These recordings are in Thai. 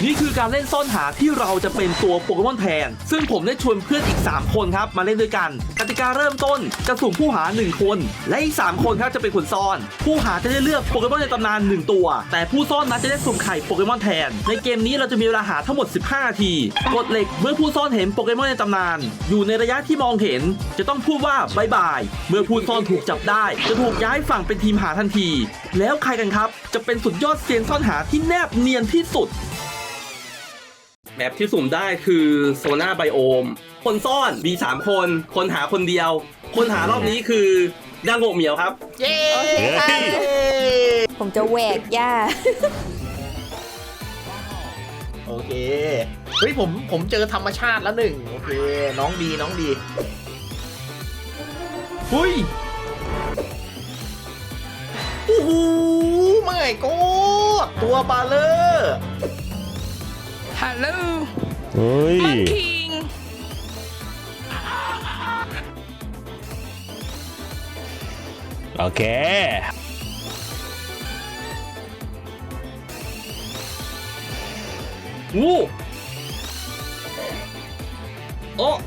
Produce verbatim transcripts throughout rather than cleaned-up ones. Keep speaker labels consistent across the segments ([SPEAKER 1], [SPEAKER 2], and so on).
[SPEAKER 1] นี่คือการเล่นซ่อนหาที่เราจะเป็นตัวโปเกมอนแทนซึ่งผมได้ชวนเพื่อนอีกสามคนครับมาเล่นด้วยกันกติกาเริ่มต้นจะสุ่มผู้หาหนึ่งคนและอีกสามคนครับจะเป็นคนซ่อนผู้หาจะได้เลือกโปเกมอนในตำนานหนึ่งตัวแต่ผู้ซ่อนนั้นจะได้สุ่มไข่โปเกมอนแทนในเกมนี้เราจะมีเวลาหาทั้งหมดสิบห้านาทีกฎเหล็กเมื่อผู้ซ่อนเห็นโปเกมอนในตำนานอยู่ในระยะที่มองเห็นจะต้องพูดว่าบายบายเมื่อผู้ซ่อนถูกจับได้จะถูกย้ายฝั่งเป็นทีมหาทันทีแล้วใครกันครับจะเป็นสุดยอดเซียนซ่อนหาที่แนบเนียนที่สุดแมปที่สุ่มได้คือโซน่าไบโอมคนซ่อนมีสามคนคนหาคนเดียวคนหารอบนี้คือดังโงเหมียวครับ
[SPEAKER 2] เย้
[SPEAKER 3] โอเคค่ะผมจะแหวกหญ้า
[SPEAKER 2] โอเคเฮ้ยผมผมเจอธรรมชาติแล้วหนึ่งโอเคน้องดีน้องดี
[SPEAKER 1] หุย
[SPEAKER 2] โอ้โหไม่ก็ตัวบาเลอร์
[SPEAKER 4] ฮัลโหล
[SPEAKER 5] เฮ้ย
[SPEAKER 4] มังคิง
[SPEAKER 5] โอเค
[SPEAKER 1] งูโอ้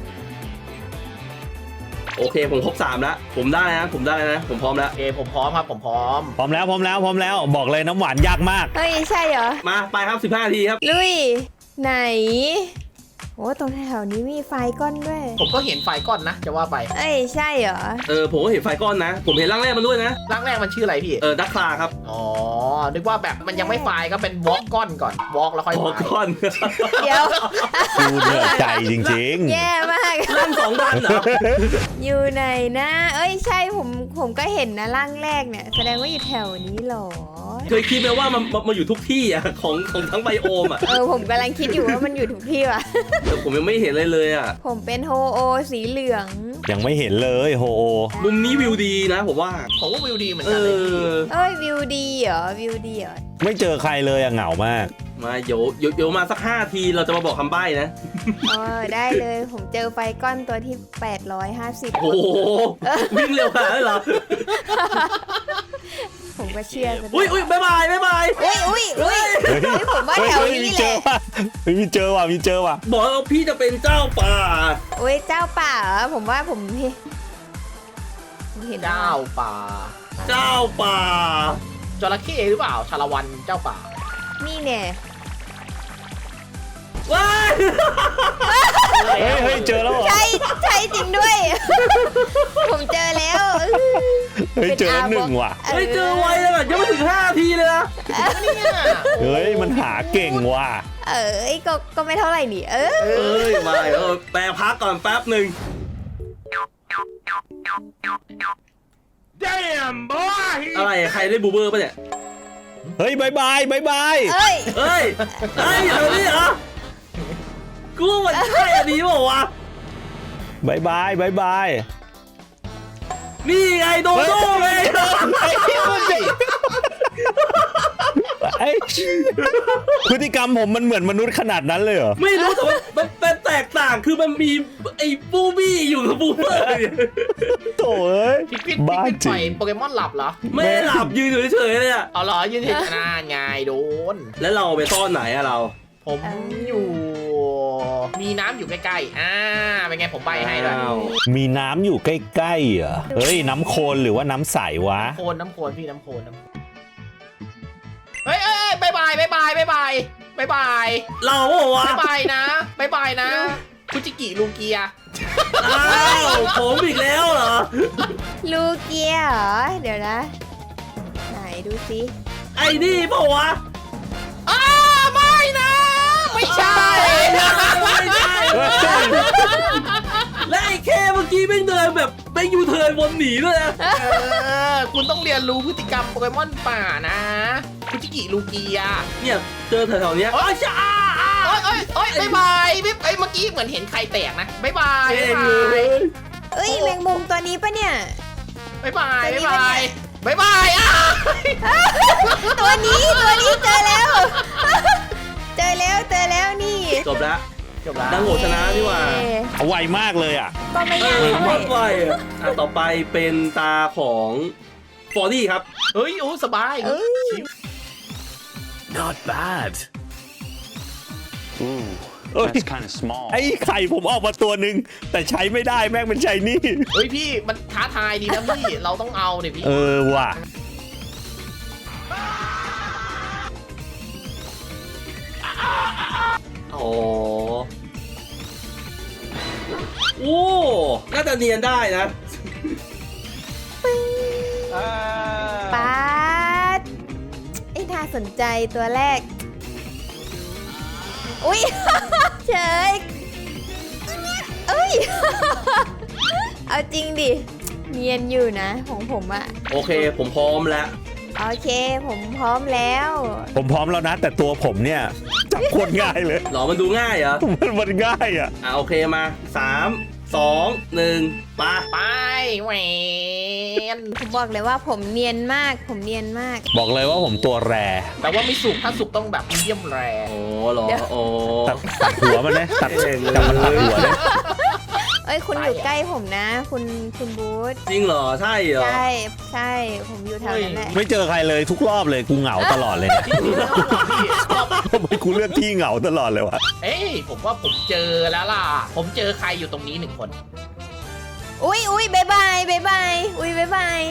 [SPEAKER 1] โอเคผมครบสามแล้วผมได้นะผมได้นะผมพร้อมแล้ว
[SPEAKER 2] โอเคผมพร้อมครับผมพร้อม
[SPEAKER 5] พร้อมแล้วพร้อมแล้วพร้อมแล้วบอกเลยน้ำหวานยากมาก
[SPEAKER 3] เฮ้ยใช่เหรอ
[SPEAKER 1] มาไปครับสิบห้านาทีครับ
[SPEAKER 3] ลุยไหนโอ้ตรงแถวนี้มีไฟก้อนด้วย
[SPEAKER 2] ผมก็เห็นไฟก้อนนะจะว่าไป
[SPEAKER 3] เอ้ยใช่เหรอ
[SPEAKER 1] เออผมก็เห็นไฟก้อนนะผมเห็นร่างแรกมันด้วยนะ
[SPEAKER 2] ร่างแรกมันชื่ออะไรพี่
[SPEAKER 1] เออดักคลาครับ
[SPEAKER 2] อ๋อนึกว่าแบบมันยังไม่ไฟก็เป็นวอล์กก้อนก่อนวอล์กแล้วค่อยว
[SPEAKER 1] อล์กก้อน
[SPEAKER 3] เดี๋ยว
[SPEAKER 5] ดูเหนื่อยใจจริง
[SPEAKER 3] ๆแย่มาก
[SPEAKER 1] ร่างสองดันเหรอ
[SPEAKER 3] อยู่ไหนนะเอ้ยใช่ผมผมก็เห็นนะร่างแรกเนี่ยแสดงว่าอยู่แถวนี้หรอ
[SPEAKER 1] เคยคิดไหมว่ามันมันอยู่ทุกที่อ่ะของของทั้งไบโอมอ่ะ
[SPEAKER 3] เออผมกำลังคิดอยู่ว่ามันอยู่ทุกที่ว่ะ
[SPEAKER 1] แต่ผมยังไม่เห็นเลยเลยอ่ะ
[SPEAKER 3] ผมเป็นโฮโอสีเหลือง
[SPEAKER 5] ยังไม่เห็นเลยโฮโอ
[SPEAKER 1] มุมนี้วิวดีนะผมว่า
[SPEAKER 2] ผมว่าวิวดีเหมือน
[SPEAKER 1] กันเลย
[SPEAKER 3] เอ้ยวิวดีเหรอวิวดีเหรอ
[SPEAKER 5] ไม่เจอใครเลยอะเหงามาก
[SPEAKER 1] มาเดี๋ยวเดี๋ยวมาสักห้าทีเราจะมาบอกคำใบ้นะ
[SPEAKER 3] เออได้เลยผมเจอไฟก้อนตัวที่แปดร้อยห้าสิบ
[SPEAKER 1] โอ้โหวิ่งเร็วขนาดนั้นเหรอ
[SPEAKER 3] ผมก็เชื่อ
[SPEAKER 1] อุ้ยอุ้ยบายบายบายบาย
[SPEAKER 3] อุ้ยอุ้ยอุ้ยผมว่าแถวนี้แหละ
[SPEAKER 5] มีเจอว่ะมีเจอว่ะ
[SPEAKER 1] บอกว่าพี่จะเป็นเจ้าป่า
[SPEAKER 3] อุ้ยเจ้าป่าเหรอผมว่าผมเห็น
[SPEAKER 2] เจ้าป่า
[SPEAKER 1] เจ้าป่า
[SPEAKER 2] จระเข้หรือเปล่าชาละวันเจ้าป่า
[SPEAKER 3] นี่เนี่ย
[SPEAKER 1] ว้าย
[SPEAKER 5] เฮ้ยเฮ้ยเจอแล้ว
[SPEAKER 3] ใช่ใช่จริงด้วยผมเจอแล้ว
[SPEAKER 5] เฮ้ยเจอหนึ่งว่ะ
[SPEAKER 1] เฮ้ยเจอไวเลยแบบยังไม่ถึงห้าทีเลยนะ
[SPEAKER 5] เฮ้ยมันหาเก่งว่ะ
[SPEAKER 3] เอ้ยก็ก็ไม่เท่าไหร่นี่เออ
[SPEAKER 1] เอ้ยมาเออแปลพักก่อนแป๊บหนึ่งอะไรใครได้บูเบอร์ป่ะเนี่ย
[SPEAKER 5] เฮ้ยบายบายบายบาย
[SPEAKER 3] เฮ้ย
[SPEAKER 1] เฮ้ยเฮ้ยเดี๋ยวนี้เหรอกูว่ามันใช่อันนี้บอกว่า
[SPEAKER 5] บายบายบายบาย
[SPEAKER 1] นี่ไงโดโด้เลย
[SPEAKER 5] ไอ้พฤติกรรมผมมันเหมือนมนุษย์ขนาดนั้นเลยเหรอ
[SPEAKER 1] ไม่รู้แต่ว่ามันเป็นแตกต่างคือมันมีไอ้บูบี้อยู่กับบูเบอร์
[SPEAKER 5] โถ่เอ้ย
[SPEAKER 2] พี่ปิ๊ดพี่ปิ๊ดปล่อยโปเกมอนหลับเหรอ
[SPEAKER 1] ไม่หลับยืนเฉยๆเลยอ่ะ
[SPEAKER 2] เอาเหรอยืนเฉยๆน่าไงโดน
[SPEAKER 1] แล้วเราไปซ่อนไหนอะเรา
[SPEAKER 2] ผมอยู่มีน้ำอยู่ใกล้ๆอ่าเป็นไงผมใบให้ด้วย
[SPEAKER 5] มีน้ำอยู่ใกล้ๆเหรอเฮ้ยน้ำโคลนหรือว่าน้ำใสวะ
[SPEAKER 2] น้ำโคลนน้ำโคลนพี่น้ำโคลนน้ำเฮ้ยเอ้ยบายบายบายบายบายบายบายบาย
[SPEAKER 1] เราวะ
[SPEAKER 2] บายบายนะบายบายนะคุจิกิลูเกีย
[SPEAKER 1] อ้าวผมอีกแล้วเหรอ
[SPEAKER 3] ลูเกียเหรอเดี๋ยวนะไหนดูสิ
[SPEAKER 1] ไอ้นี่เปล่าวะ
[SPEAKER 2] อ้าไม่นะไม่ใช่
[SPEAKER 1] ไม่ใช่และไอ้แค่เมื่อกี้ไม่เดินแบบไม่ยูเทิร์นวนหนีเลยนะ
[SPEAKER 2] คุณต้องเรียนรู้พฤติกรรมโปเกมอนป่านะคุจิกิลูเกีย
[SPEAKER 1] เนี่ยเจอแถวๆนี้
[SPEAKER 2] โอ้ยจ้าโอ้ยโอ้ยโอ้ยบายบายพี่ไอ้เมื่อกี้เหมือนเห็นใครแตกนะบายบายบายบาย
[SPEAKER 3] เอ้ยแมงมุมตัวนี้ปะเนี่ย
[SPEAKER 2] บายบายบายบายบายบายอ่ะ
[SPEAKER 3] ตัวนี้ตัวนี้เจอแล้วเจอแล้วเจอแล้วนี่
[SPEAKER 1] จบแล้ว
[SPEAKER 2] จบแล้ว
[SPEAKER 1] ดังโหชนะดีกว่า
[SPEAKER 5] ไวมากเลยอ่ะ
[SPEAKER 3] ก็ไม่ยากเลย
[SPEAKER 1] ไวอ่ะต่อไปเป็นตาของฟอร์ดี้ครับ
[SPEAKER 2] เฮ้ยโอ้สบาย
[SPEAKER 3] เอ้ย
[SPEAKER 4] not bad
[SPEAKER 6] Ooh,
[SPEAKER 5] Oh,
[SPEAKER 6] that's kind of small.
[SPEAKER 5] ไอ้ไข่ผมออกมาตัวหนึ่งแต่ใช้ไม่ได้แม่งเป็นชายนี่
[SPEAKER 2] เฮ้ยพี่มันท้าทายดีนะพี่ เราต้องเอาเนี่ยพี่
[SPEAKER 5] เออว่ะ
[SPEAKER 1] โอ้โอ้น่าจะเนียนได้นะ
[SPEAKER 3] ปาดไอ้น่าสนใจตัวแรก อุ้ย เฉยเอ้ย เอาจริงดิ เนียนอยู่นะของผมอะ
[SPEAKER 1] โอเคผมพร้อมแล้ว
[SPEAKER 3] โอเค ผมพร้อมแล้ว
[SPEAKER 5] ผมพร้อมแล้วนะ แต่ตัวผมเนี่ยจับโคนง่ายเลย
[SPEAKER 1] หรอมันดูง่ายเหรอ
[SPEAKER 5] มันมันง่ายอ่ะ
[SPEAKER 1] อ่ะโอเคมาสามสองหนึ่งมา
[SPEAKER 2] ไปแหวน
[SPEAKER 3] ผมบอกเลยว่าผมเนียนมาก ผมเนียนมาก
[SPEAKER 5] บอกเลยว่าผมตัวแร
[SPEAKER 2] แต่ว่าไม่สุกถ้าสุกต้องแบบมีเดียมแร
[SPEAKER 1] โอ้เหรอ
[SPEAKER 3] เดี๋ยว
[SPEAKER 1] โอ้
[SPEAKER 5] ตัดตัดหัวมันเลยตัดจับมันตัดหัวเลย
[SPEAKER 3] เอ้ย คุณอยู่ใกล้ผมนะ คุณคุณบูธ
[SPEAKER 1] จริงเหรอใช่เหรอ
[SPEAKER 3] ใช่ ใช่ ผมอยู่แถวนั้นแหละ
[SPEAKER 5] ไม่เจอใครเลยทุกรอบเลยกูเหงาตลอดเลยเนี่ย
[SPEAKER 2] พี่
[SPEAKER 5] ทำไมกูเลือกที่เหงาตลอดเลยวะ
[SPEAKER 2] เอ้ยผมว่าผมเจอแล้วล่ะ ผมเจอใครอยู่ตรงนี้หนึ่งคน
[SPEAKER 3] อุ้ยอุ้ยบายบายบายบายอุ้ยบายบาย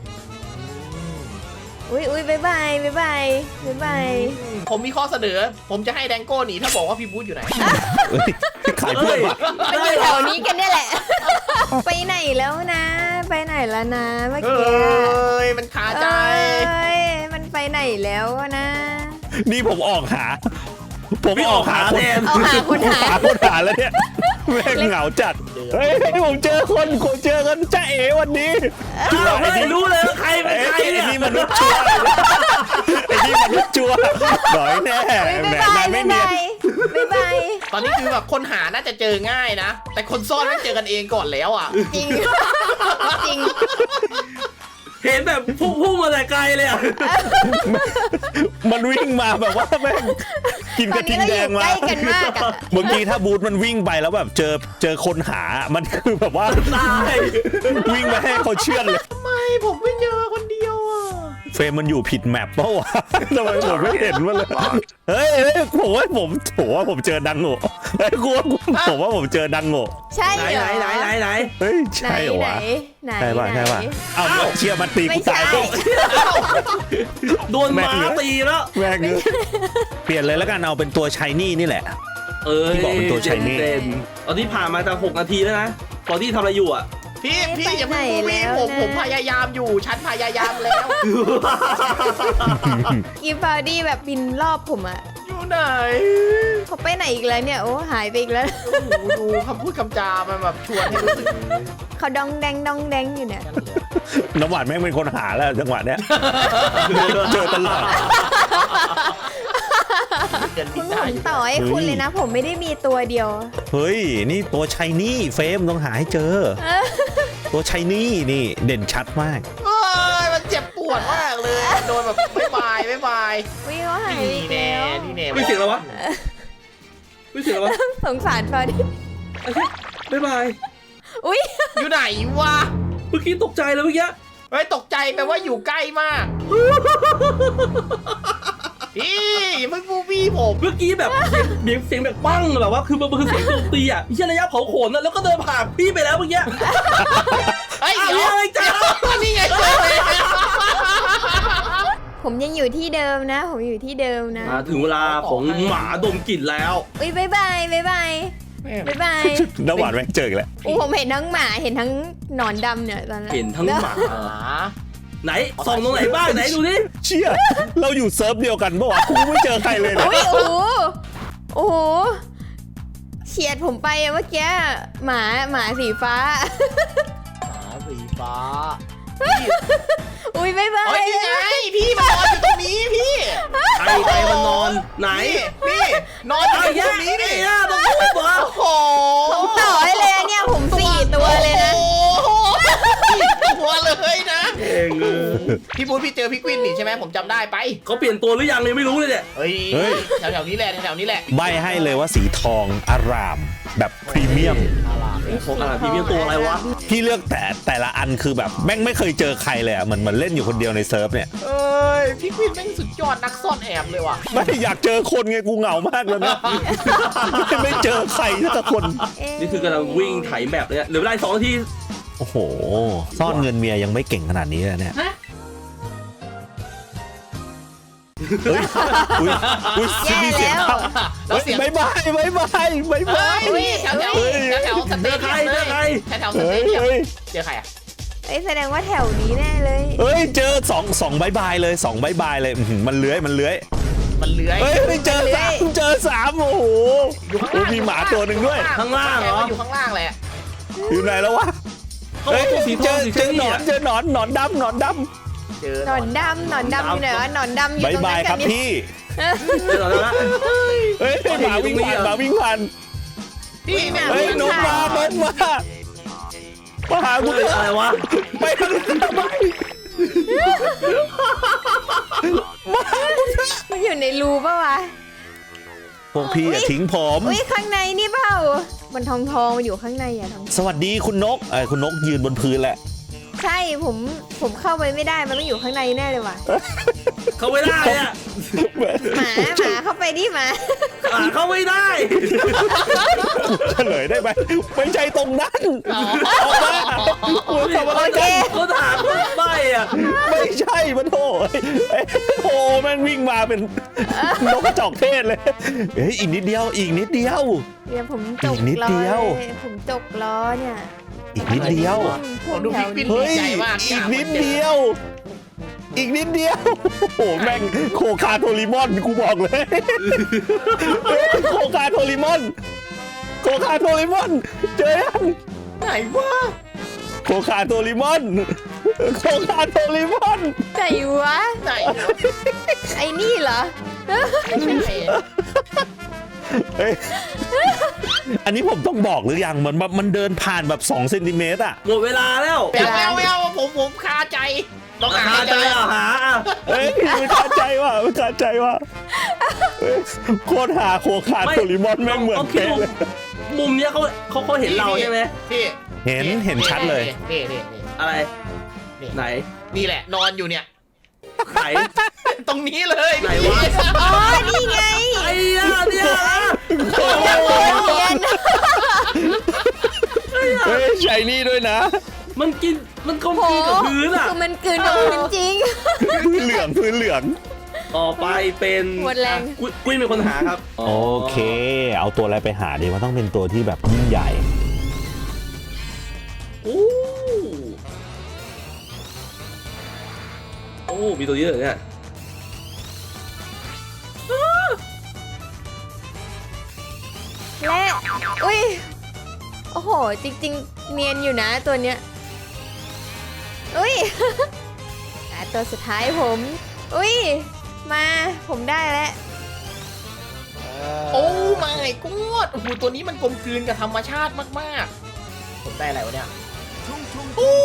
[SPEAKER 3] อุ้ยอุ้ยบายบายบายบายบายบาย
[SPEAKER 2] ผมมีข้อเสนอ ผมจะให้แดงโก้หนีถ้าบอกว่าพี่บูธอยู่ไหน
[SPEAKER 5] เฮ้ยขายเพื่อนวะ
[SPEAKER 3] มันอยู่แถวนี้กันเนี่ยแหละ ไปไหนแล้วนะ ไปไหนแล้วนะเมื่อ
[SPEAKER 2] เฮ้
[SPEAKER 3] กี้
[SPEAKER 2] ย มันคาใจ
[SPEAKER 3] เอ้ยมันไปไหนแล้วนะ
[SPEAKER 5] นี่ผมออกหา ผมออกหาคน
[SPEAKER 3] เอาหาคนหา
[SPEAKER 5] หาคนหาแล้วเนี่ยแม่งเหงาจัดเฮ้ยผมเจอคนผมเจอกันจ้าเอ๋วันนี้
[SPEAKER 1] อ้าวไม่รู้เลยว่าใครเป็น
[SPEAKER 5] ไอ้
[SPEAKER 1] ใครเนี่ย
[SPEAKER 5] นี่มนุษย์ชัวร์ไอ้นี่มนุษย์ชัวร์หน่อยแน่
[SPEAKER 3] อุ้ย
[SPEAKER 5] แหม
[SPEAKER 3] บายบาย
[SPEAKER 5] นายไม่
[SPEAKER 3] บาย
[SPEAKER 5] เนียน
[SPEAKER 3] บายบาย
[SPEAKER 2] ตอนนี้คือแบบคนหาน่าจะเจอง่ายนะ แต่คนซ่อนไม่เจอกันเองก่อนแล้วอ่ะ
[SPEAKER 3] จริงจริง
[SPEAKER 1] เห็นแบบพุ่งพุ่งมาแต่ไกลเลยอ่ะ
[SPEAKER 5] มันวิ่งมาแบบว่าแม่งกิน
[SPEAKER 3] ต
[SPEAKER 5] ก
[SPEAKER 3] อ
[SPEAKER 5] ระ
[SPEAKER 3] น
[SPEAKER 5] ทิ
[SPEAKER 3] นี้
[SPEAKER 5] ง
[SPEAKER 3] เรา
[SPEAKER 5] แด
[SPEAKER 3] อง ยู่
[SPEAKER 5] มา
[SPEAKER 3] ใกล้กันมากอะ
[SPEAKER 5] เมื่อกี้ถ้าบูธมันวิ่งไปแล้วแบบเจอเจอคนหา มันคือแบบว่า
[SPEAKER 1] ตาย
[SPEAKER 5] วิ่งมาให้เขาเชื่อเลย
[SPEAKER 2] ไม่ผมไม่เจอคนเดียวอ่ะ
[SPEAKER 5] เฟรมมันอยู่ผิดแมปเปล่าวะทำไมผมไม่เห็นมันเลยเฮ้ยเฮ้ยผมว่าผมผมว่าผมเจอดังโง่เฮ้ยกูว่าผมว่าผมเจอดังโง่
[SPEAKER 3] ใช่
[SPEAKER 1] ไหน
[SPEAKER 3] เหร
[SPEAKER 1] ไหน
[SPEAKER 3] อ
[SPEAKER 1] ไหนไหนไหน
[SPEAKER 5] เฮ้ย
[SPEAKER 3] ไหน
[SPEAKER 5] ใช่เหรอ
[SPEAKER 3] ไหน
[SPEAKER 5] วะ
[SPEAKER 3] ไหน
[SPEAKER 5] ใช่ป่ะ
[SPEAKER 3] ไหน
[SPEAKER 5] ใช่ป่ะเอ้าเชียร์มันตี
[SPEAKER 3] ไม่
[SPEAKER 5] กู
[SPEAKER 3] ใช่
[SPEAKER 5] ตายปุ๊บ
[SPEAKER 1] โดนม้าตีแล้ว
[SPEAKER 5] แม่งเอ้ยเปลี่ยนเลยแล้วกันเอาเป็นตัวชายนี่นี่แหละ
[SPEAKER 1] เออ
[SPEAKER 5] ที่บอกเป็นตัว Chinese
[SPEAKER 1] เด่นๆตอนนี้ผ่านมาจะหกนาทีแล้วนะ ตอนที่ทำอะไรอยู่อ่ะ
[SPEAKER 2] พี่
[SPEAKER 3] ไม่
[SPEAKER 2] พี่อย่า
[SPEAKER 3] ไป
[SPEAKER 2] เพิ่ง
[SPEAKER 3] ไหน
[SPEAKER 2] พูดพี่ผม
[SPEAKER 3] แล้วนะ
[SPEAKER 2] ผมพยายามอยู่ ฉันพยายามแล้ว
[SPEAKER 3] อีฟาวดี้แบบบินรอบผมอะ
[SPEAKER 2] อยู่ไหน
[SPEAKER 3] เขาไปไหนอีกแล้วเนี่ย โอ้หายไปอีกแล้ว
[SPEAKER 2] โอ้โหดูคำพูดคำจามันแบบชวนให้รู้สึก
[SPEAKER 3] เขาดองแดงดองแดงอยู่เนี่ย
[SPEAKER 2] กันเลย
[SPEAKER 5] น้ำหวานแม่งเป็นคนหาแล้วจังหวะเนี้ยเจอตลอด
[SPEAKER 2] เดิน
[SPEAKER 3] คุ
[SPEAKER 2] บิ
[SPEAKER 3] ณ
[SPEAKER 2] น
[SPEAKER 3] ผ
[SPEAKER 2] ได้
[SPEAKER 3] ม
[SPEAKER 2] อยู่
[SPEAKER 3] ต่อให้คุณเลยนะ ผมไม่ได้มีตัวเดียว
[SPEAKER 5] เฮ้ยนี่ตัวชายนี่เฟรมต้องหาให้เจอ ตัวชายนี่นี่เด่นชัดมาก
[SPEAKER 2] เอ้ยมันเจ็บปวดมากเลย โดนแบบบ๊ายบายบ๊ายบาย
[SPEAKER 3] วิ่งเขาหายไป
[SPEAKER 2] นี่
[SPEAKER 3] อีก
[SPEAKER 2] แน่
[SPEAKER 3] แล้ว
[SPEAKER 2] นี่แน่
[SPEAKER 1] ไม่เสียงแล้ววะไม่เสียงแล้ววะ
[SPEAKER 3] สงสารฟาวดี้
[SPEAKER 1] โอเคบ๊ายบาย
[SPEAKER 3] อุ้ย
[SPEAKER 2] อยู่ไหนวะ
[SPEAKER 1] เมื่อกี้ตกใจเลยเมื่อกี้
[SPEAKER 2] เฮ้ยตกใจแปลว่าอยู่ใกล้มาก พี่อย่าเพิ่งพูดพี่ผม
[SPEAKER 1] เมื่อกี้แบบเสียงเสียงแบบปั้งแบบว่าคือมันคือเสียงโจมตีอ่ะที่ระยะเผาขนนะแล้วก็เดินผ่านพี่ไปแล้วเมื่อกี้
[SPEAKER 2] เฮ้ย
[SPEAKER 1] อ้าว
[SPEAKER 2] เดี๋ยว
[SPEAKER 1] ยังไงจ๊ะ
[SPEAKER 2] นี่ไงเจอเลย
[SPEAKER 3] ผมยังอยู่ที่เดิมนะ ผมอยู่ที่เดิมนะ
[SPEAKER 1] มาถึงเวลาของหมาดมกลิ่นแล้ว
[SPEAKER 3] อุ้ยบายบายบายบายบายบาย
[SPEAKER 5] น้ำหวานแม่งเจออีกแล้ว
[SPEAKER 3] โอ้ผมเห็นทั้งหมาเห็นทั้งหนอนดำเนี่ยตอนนั้น
[SPEAKER 1] เห็นทั้งหมา
[SPEAKER 2] หา
[SPEAKER 1] ไหนส่องตรงไหนบ้างไหนดูดิ
[SPEAKER 5] เชี่ยเราอยู่เซิร์ฟเดียวกันปะวะกูไม่เจอใครเลยนะ
[SPEAKER 3] อุ้ยโอ้โหโอ้โหเฉียดผมไปอะเมื่อกี้หมาหมาสีฟ้า
[SPEAKER 2] หาสีฟ้า
[SPEAKER 3] อุ้ยบายบา
[SPEAKER 2] เฮ้
[SPEAKER 3] ย
[SPEAKER 2] ยนี่ไงพี่มานอนอยู่ตรงนี้พี่
[SPEAKER 1] ใครใครมันนอนไหน
[SPEAKER 2] พี่พี่นอนอยู่
[SPEAKER 1] ไอ้
[SPEAKER 2] ต
[SPEAKER 1] แย่
[SPEAKER 2] รงนี้
[SPEAKER 1] ไอ้
[SPEAKER 2] นี่
[SPEAKER 1] แย่ต้องพูดเหรอ
[SPEAKER 2] โอ้โห
[SPEAKER 3] ผมต่อให้เลยอะเนี่ยผมสี่ตัวเลยนะ
[SPEAKER 2] โอ้โหตัวเลยนะ
[SPEAKER 1] เองเออ
[SPEAKER 2] พี่บูธพี่เจอพี่กวินนี่ใช่ไหมผมจำได้ไป
[SPEAKER 1] เขาเปลี่ยนตัวหรือยังยังไม่รู้เลยเนี่ย
[SPEAKER 2] เฮ้ยแถวๆนี้แหละแถวๆนี้แหละ
[SPEAKER 5] ใบให้เลยว่าสีทองอาราม แบบพรีเมียม
[SPEAKER 2] อะไร
[SPEAKER 1] ของอะไรพรีเมียมตัวอะไรวะ
[SPEAKER 5] พี่เลือกแต่แต่ละอันคือแบบแม่งไม่เคยเจอใครเลยอ่ะเหมือนเหมือนเล่นอยู่คนเดียวในเซิร์ฟเนี่ย
[SPEAKER 2] เอ้ยพี่ควินแม่งสุดยอดนักซ่อนแอบเลยว่ะ
[SPEAKER 5] ไม่อยากเจอคนไงกูเหงามากเลยนะไม่เจอใครสักคน
[SPEAKER 3] เอ๊ะ
[SPEAKER 1] นี่คือกำลังวิ่งไถแบบเลยเหลือเวลาอีกสองนาที
[SPEAKER 5] โอ้โหซ่อนเงินเมียยังไม่เก่งขนาดนี้เลยเนี่ย
[SPEAKER 2] ฮะ
[SPEAKER 5] เฮ้ยอุ้ยอุ้ย
[SPEAKER 3] แย่
[SPEAKER 5] มีเสียง
[SPEAKER 3] แล้ว
[SPEAKER 5] เข้า
[SPEAKER 2] แล้ว
[SPEAKER 5] เฮ้ย
[SPEAKER 2] เสียง
[SPEAKER 5] บายบายบายบายบายบาย
[SPEAKER 2] เฮ้ยแถวแถว
[SPEAKER 5] เฮ้ย
[SPEAKER 2] แถวแถวสเต
[SPEAKER 1] เจอใคร
[SPEAKER 2] เดียม
[SPEAKER 1] เจอใคร
[SPEAKER 2] แถวแถวส
[SPEAKER 5] เฮ้
[SPEAKER 2] เต
[SPEAKER 5] ย
[SPEAKER 2] เดียม
[SPEAKER 5] เฮ้ย
[SPEAKER 2] เจอใครอ่ะ
[SPEAKER 3] เอ้ยแสดงว่าแถวนี้แน่เลย
[SPEAKER 5] เฮ้ยเจอสองสองบายบายเลยสองบายบายเลยอื้อหือมันเลื้อยมันเลื้อย
[SPEAKER 2] มันเลื้อย
[SPEAKER 5] เฮ้ยไม่เจอสามเจอสามโอ้โห
[SPEAKER 2] อยู่ข้าง
[SPEAKER 5] โอ้
[SPEAKER 2] ล่าง
[SPEAKER 5] มีหมาตัวหนึ่งด้วย
[SPEAKER 1] ข้างล่างเหรอ
[SPEAKER 2] อยู่ข้างล่างแหละ
[SPEAKER 5] อยู่ไหนแล้ววะ
[SPEAKER 1] เขาบ
[SPEAKER 5] เฮ้
[SPEAKER 1] อย กตัวสีท
[SPEAKER 5] เจ
[SPEAKER 1] อง
[SPEAKER 5] อ
[SPEAKER 1] สี
[SPEAKER 5] เจอหนอน
[SPEAKER 1] เ
[SPEAKER 5] เจอหนอนหนอนดำหนอนด
[SPEAKER 2] เจอ
[SPEAKER 3] หนอนดำหนอนดำอยู่ไหนวะหนอนดำอ
[SPEAKER 5] ำ
[SPEAKER 3] ยู่
[SPEAKER 5] บาย
[SPEAKER 3] ตรง
[SPEAKER 5] บา
[SPEAKER 3] นั้
[SPEAKER 5] ย
[SPEAKER 3] น
[SPEAKER 5] ค
[SPEAKER 3] กั
[SPEAKER 5] รั
[SPEAKER 3] น
[SPEAKER 5] บ
[SPEAKER 3] นี่
[SPEAKER 5] พี่
[SPEAKER 1] จอแล้วนะ
[SPEAKER 5] เฮ้ยหมาวิ่งผ่านหมาวิ่งผ่าน
[SPEAKER 2] พี่เนี่ย
[SPEAKER 5] เฮ้ยนกมานกมามาหากู
[SPEAKER 1] เฮ้ยอะไรวะ
[SPEAKER 5] ไปทางนั้นทำไมมาหากูเถอะ
[SPEAKER 3] มันอยู่ในรูปะวะ
[SPEAKER 5] พวกพี่อย่าทิ้งผม
[SPEAKER 3] อุ้ยข้างในนี่เปล่ามันทองทองๆมันอยู่ข้างในอะทอง
[SPEAKER 5] สวัสดีคุณนกเอ้ยคุณนกยืนบนพื้นแหละ
[SPEAKER 3] ใช่ผมผมเข้าไปไม่ได้มันต้องอยู่ข้างในแน่เลยว่ะ
[SPEAKER 1] เขาไม่ได้อะ
[SPEAKER 3] หมาหมาเข้าไปดิหมา
[SPEAKER 1] อ่าเขาไม่ได้
[SPEAKER 5] เฉลยได้ไหมไม่ใช่ตรงนั้นออกมาคุณทำอะไร
[SPEAKER 3] โอเค
[SPEAKER 5] กัน
[SPEAKER 1] เขาถามเขาไม่อะ
[SPEAKER 5] ไม่ใช่มันโถเอ้ยโอ้แม่งวิ่งมาเป็นนกกระจอกเทศเลยเฮ้ยอีกนิดเดียวอีกนิดเดียว
[SPEAKER 3] เดี๋ยวผมจก
[SPEAKER 5] อีกนิด
[SPEAKER 3] ล้อ
[SPEAKER 5] เดียว
[SPEAKER 3] เลยผมจกล้อเนี่ย
[SPEAKER 5] อีกนิดเดียว
[SPEAKER 2] ผมดูพี่ควิน
[SPEAKER 5] เฮ้ย
[SPEAKER 2] ดีใจมาก
[SPEAKER 5] อีกนิดเดียว อีกนิดเดียวโอ้โหแม่งโคคาโทริมอนกูบอกเลยโคคาโทริมอนโคคาโทริมอนเจอยัง
[SPEAKER 2] ไหนวะ
[SPEAKER 5] โคคาโทริมอนโคคาโทริมอน
[SPEAKER 3] ไหนวะ
[SPEAKER 2] ไหน
[SPEAKER 3] ไอ้นี่เหรอ
[SPEAKER 2] ไม่ใช่
[SPEAKER 5] เฮ้ยอันนี้ผมต้องบอกหรือยังมันมันเดินผ่านแบบสองเซนติเมตรอะ
[SPEAKER 1] หมดเวลาแล้ว
[SPEAKER 2] แมวแมวแมวผมผมคาใจต้องหา
[SPEAKER 1] หา
[SPEAKER 2] ให้
[SPEAKER 1] ใจ
[SPEAKER 2] เจอ
[SPEAKER 1] อ่ะหาอ่ะ
[SPEAKER 5] เฮ้ยไม่คาใจว่ะไม่คาใจว่ะเฮ้ยโคตรหาโคคาโทริมอนแม่งเหมือน
[SPEAKER 1] ขาคิด
[SPEAKER 5] เป๊ะ
[SPEAKER 1] ว่า
[SPEAKER 5] เลย
[SPEAKER 1] มุมเนี้ยเขาเขาเขาเห็นเราใช่ไหม
[SPEAKER 2] พี่
[SPEAKER 5] เห็นเห็นชัดเลย
[SPEAKER 2] นี่นี่นี่
[SPEAKER 1] อะไร
[SPEAKER 2] นี่
[SPEAKER 1] ไหน
[SPEAKER 2] นี่แหละนอนอยู่เนี่ย
[SPEAKER 1] ไหน
[SPEAKER 2] ตรงนี้เลย
[SPEAKER 1] ไหนวะ
[SPEAKER 3] อ๋อ นี่ไง
[SPEAKER 1] ไอ้ยาเนี่ยนะ
[SPEAKER 3] โอ้โหเนียน
[SPEAKER 5] เฮ้ยใช้นี่ด้วยนะ
[SPEAKER 1] มันกินมันกลมกลืนกับพื้นอ่ะ
[SPEAKER 3] คือมันกลืนกับพื้นจริง
[SPEAKER 5] พื้นเหลืองพื้นเหลือง
[SPEAKER 1] ต่อไปเป็น
[SPEAKER 3] หมดแรง
[SPEAKER 1] อ่ะกุ้ยกุ้ยเป็นคนหาครับ
[SPEAKER 5] โอเค เอาตัวอะไรไปหาดีมันต้องเป็นตัวที่แบบยิ่งใหญ่
[SPEAKER 1] โอ้โอ้มีตัวเยอะเลยเนี่ย
[SPEAKER 3] และอุ้ย โอ้โห จริง ๆ เนียนอยู่นะตัวเนี้ย อุ้ย อ่ะตัวสุดท้ายผม อุ้ย มาผมได้แล้ว
[SPEAKER 2] โอ้ my god โอ้โหตัวนี้มันกลมกลืนกับธรรมชาติมากๆผมได้อะไรวะเนี่ยโอ้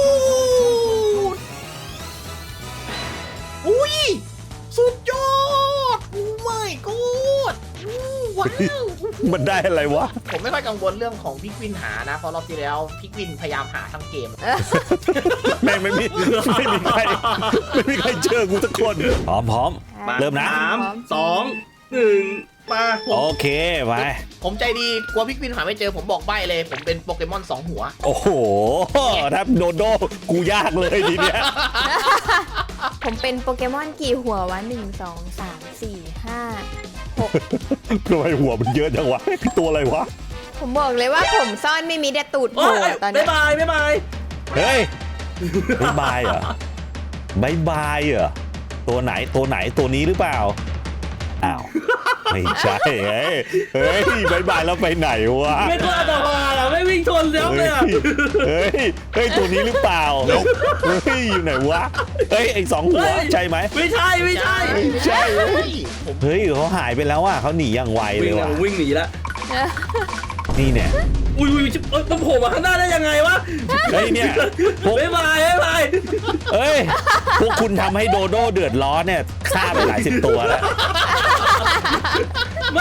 [SPEAKER 2] อุ้ยสุดยอดโอ้ my god อู้ว้าว
[SPEAKER 5] มันได้อะไรวะ
[SPEAKER 2] ผมไม่ค่อยกังวลเรื่องของพี่กวินหานะเพราะรอบที่แล้วพี่กวินพยายามหาทั้งเกม
[SPEAKER 5] แม่งไม่มีไม่มีใครไม่มีใครเจอกูสักคน พร้อมพร้อม
[SPEAKER 1] มา
[SPEAKER 5] เริ่มนะ
[SPEAKER 1] สามสองหนึ่งมา
[SPEAKER 5] โอเคไป
[SPEAKER 2] ผมใจดีกลัวพี่กวินหาไม่เจอผมบอกใบ้เลย ผมเป็นโปเกมอนสองหัว
[SPEAKER 5] โอ้โหถ้าโดโดกูยากเลยทีเนี้ย
[SPEAKER 3] ผมเป็นโปเกมอนกี่หัววะหนึ่งสองสามสี่ห้าหก
[SPEAKER 5] ทำไมหัวมันเยอะจังวะตัวอะไรวะ
[SPEAKER 3] ผมบอกเลยว่าผมซ่อนไม่มีแต่ตูดโผ
[SPEAKER 1] โอ้
[SPEAKER 3] ล่
[SPEAKER 1] ย
[SPEAKER 3] ตอน
[SPEAKER 1] บ๊า
[SPEAKER 3] เนี้
[SPEAKER 1] ย
[SPEAKER 3] ย
[SPEAKER 1] บายบ๊ายบาย
[SPEAKER 5] เฮ้ยบายบายเหรอบายบายเหรอตัวไหนตัวไหนตัวนี้หรือเปล่าอ้าวไม่ใช่เฮ้ยเฮ้ยบายบายแล้วไปไหนวะ
[SPEAKER 1] ไม่กล้าต่อมาอ่ะไม่วิ่งชนแล้ว
[SPEAKER 5] เฮ้
[SPEAKER 1] เลย ยอ่ะ
[SPEAKER 5] เฮ้ยเฮ้ยตัวนี้หรือเปล่าเฮ้ยอยู่ไหนวะเฮ้ยไอ้สองหัวใช่ไหม
[SPEAKER 1] ไม่ใช่ไม่ใช่
[SPEAKER 5] ใช่
[SPEAKER 2] ผม
[SPEAKER 5] เฮ้ยเขาหายไปแล้วอ่ะเขาหนีอย่างไวเล
[SPEAKER 1] วิ่
[SPEAKER 5] ย
[SPEAKER 1] ง
[SPEAKER 5] ว่ะ
[SPEAKER 1] วิ่งหนีแล้ว
[SPEAKER 5] นี่เนี่ย
[SPEAKER 1] อุ้ยอุ้ยเอ้ยมันโผล่มาข้างหน้าได้ยังไงวะ
[SPEAKER 5] เฮ้ยเนี่ยพวก
[SPEAKER 1] บ๊ายบายบ๊ายบาย
[SPEAKER 5] เอ้ยพวกคุณทำให้โดโดเดือดร้อนเนี่ยฆ่าไปหลายสิบตัวแล้ว
[SPEAKER 1] ไม่คือ